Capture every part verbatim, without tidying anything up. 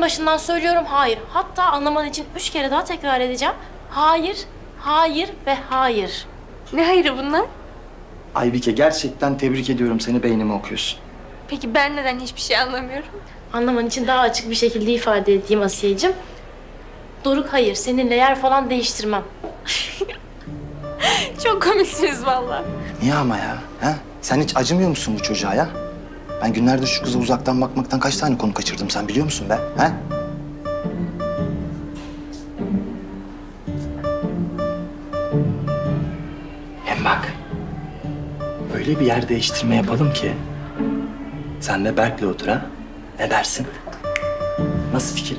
başından söylüyorum hayır. Hatta anlaman için üç kere daha tekrar edeceğim. Hayır, hayır ve hayır. Ne hayırı bunlar? Aybike gerçekten tebrik ediyorum seni, beynimi okuyorsun. Peki ben neden hiçbir şey anlamıyorum? Anlaman için daha açık bir şekilde ifade edeyim Asiye'cim. Doruk hayır, seninle yer falan değiştirmem. Çok komiksiniz vallahi. Niye ama ya? Ha? Sen hiç acımıyor musun bu çocuğa ya? Ben günlerdir şu kıza uzaktan bakmaktan kaç tane konu kaçırdım sen biliyor musun be? Ha? Hem bak, öyle bir yer değiştirme yapalım ki sen de Berk'le otur ha? Ne dersin? Nasıl fikir?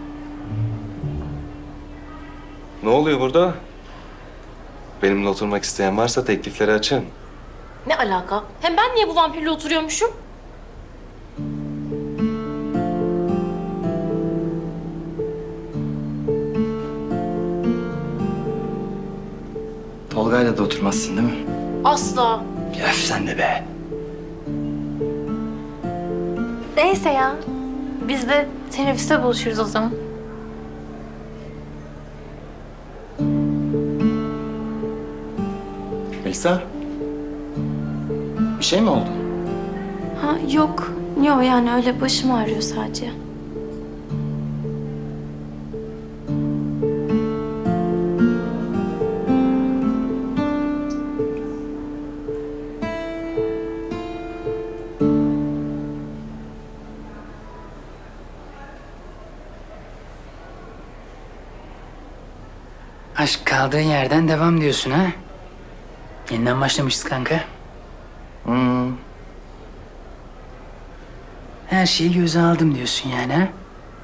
Ne oluyor burada? Benimle oturmak isteyen varsa teklifleri açın. Ne alaka? Hem ben niye bu vampirle oturuyormuşum? Tolga'yla da oturmazsın değil mi? Asla. Öf sen de be. Neyse ya. Biz de teneffüste buluşuruz o zaman. Melisa, bir şey mi oldu? Ha yok. Yok yani öyle başım ağrıyor sadece. Aşk kaldığın yerden devam diyorsun ha? Yeniden başlamışız kanka. Hmm. Her şeyi göze aldım diyorsun yani ha?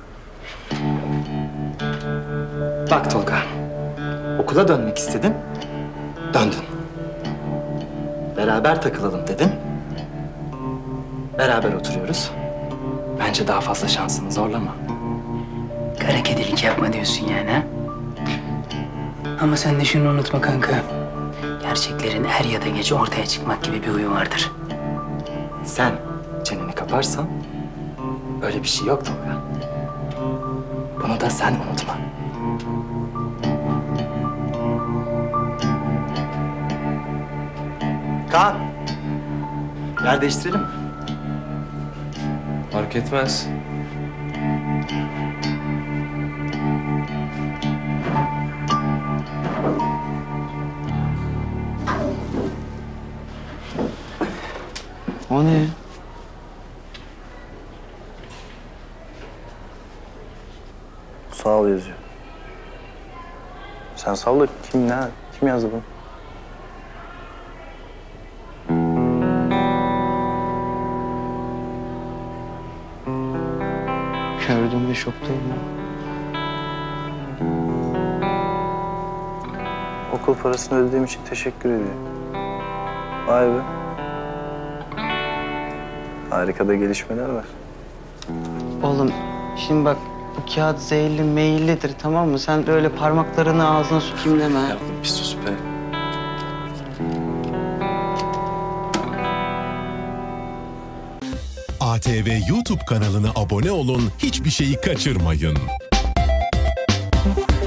Bak Tolga, okula dönmek istedin, döndün. Beraber takılalım dedin, beraber oturuyoruz. Bence daha fazla şansını zorlama. Kara kedilik yapma diyorsun yani ha? Ama sen de şunu unutma kanka. Gerçeklerin er ya da geç ortaya çıkmak gibi bir huyu vardır. Sen çeneni kaparsan öyle bir şey yok Tolga. Bunu da sen unutma. Kaan, yer değiştirelim mi? Fark etmez. O ne? Sağ ol yazıyor. Sen salla, kim ne? Kim yazdı bunu? Gördüğümde şoktayım ya. Okul parasını ödediğim için teşekkür ediyor. Vay be. Harika da gelişmeler var. Oğlum şimdi bak bu kağıt zehirli meyillidir tamam mı? Sen de öyle parmaklarını ağzına sokayım deme. ha. Ya bir sus be. A T V YouTube kanalına abone olun, hiçbir şeyi kaçırmayın.